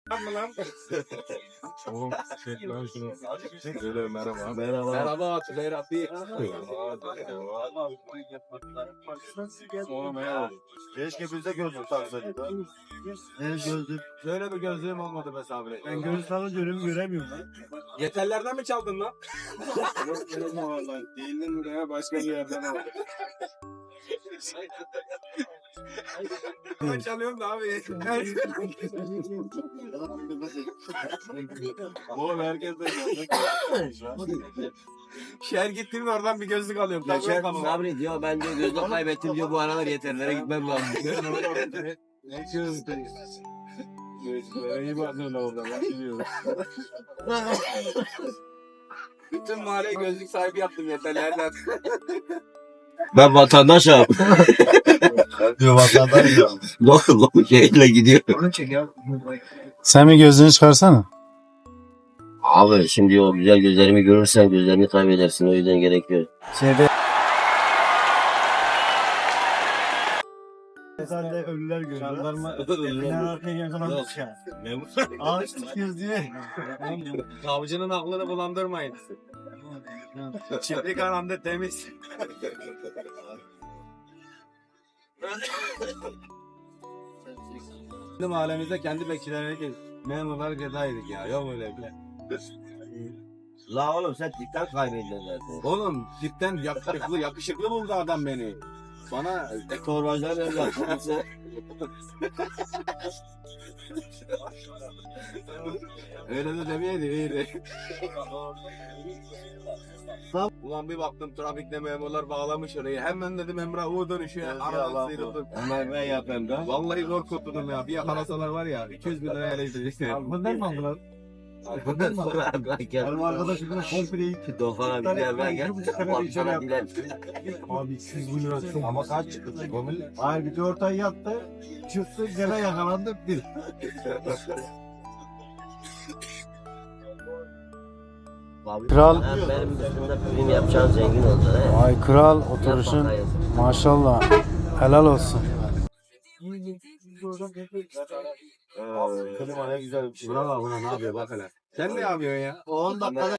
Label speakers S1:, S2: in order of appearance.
S1: Lan.
S2: Oğlum çek lan şunu.
S1: Öyle merhaba.
S2: Merhaba Tülay Rabbi. Oğlum ya.
S1: Keşke bizde gözlük taksaydık. Gözlük.
S2: Böyle bir gözlüğüm olmadı be Sabri.
S1: Ben gözlük takınca önümü göremiyorum lan.
S2: Yeterlerden mi çaldın lan?
S1: Yok benim vallahi. Değildin buraya başka bir yerden aldım.
S2: Ben çalıyorum da abi.
S1: Oğlum herkes de gözlük.
S2: Şehir gittim mi oradan bir gözlük alıyorum.
S3: Geçen
S2: Takıyorum
S3: Sabri diyor ben diyor gözlük kaybettim diyor bu aralar yeterlere gitmem lazım.
S1: Ne gözlük? İyi bakın orada. Ben biliyorum.
S2: Bütün mahalleye gözlük sahibi yaptım yeterlerden.
S3: Ben vatandaşım.
S1: Diyor vatandaş ya.
S3: Lokul şeyle gidiyor.
S4: Sen bir gözlüğünü çıkarsana.
S3: Abi şimdi o güzel gözlerimi görürsen gözlerini kaybedersin o yüzden gerekiyor.
S1: Sen de ölüler görüyor. Jandarma. Binen arkaya yakalanmış ya. Ağaç tutuyoruz diye.
S2: Savcının aklını bulandırmayın. Çiftlik anamda temiz. Bizim mahallemizde kendi bekçilerine memurlar ceza yedik ya. Yok öyle bile.
S3: La oğlum sen dikkat kaybediyorsun zaten.
S2: Oğlum cidden yakışıklı buldu adam beni. Bana
S3: Torbacılar evlat.
S2: öyle de demeyeydi iyiydi. Ulan bir baktım trafikte memurlar bağlamış orayı. Hemen dedim Emrah U dönüşüyor. Aradan sıyrıldım.
S3: Hemen ben yapayım da.
S2: Vallahi zor kurtuldum ya. Bir yakalasalar var ya 200 bin liraya eleştirecekler.
S1: Bundan mı aldılar? Benim arkadaşım bunu komple gitti.
S3: Dokana bir gel ben gel. Bana dilen.
S1: Abi 200 bin lira çok. Ama kaç çıktı? Hayır bir de ortaya yattı. Çıktı gene yakalandı bir.
S4: Kral.
S3: Benim üstümde prim yapacağım zengin olacaksın. he.
S4: Ay kral oturuşun.
S3: Yap bakayım.
S4: Maşallah. Helal olsun.
S1: Klima ne güzel bir şey.
S2: Buna bak buna ne yapıyor bak hele. Sen ne yapıyorsun ya?
S1: 10 dakikada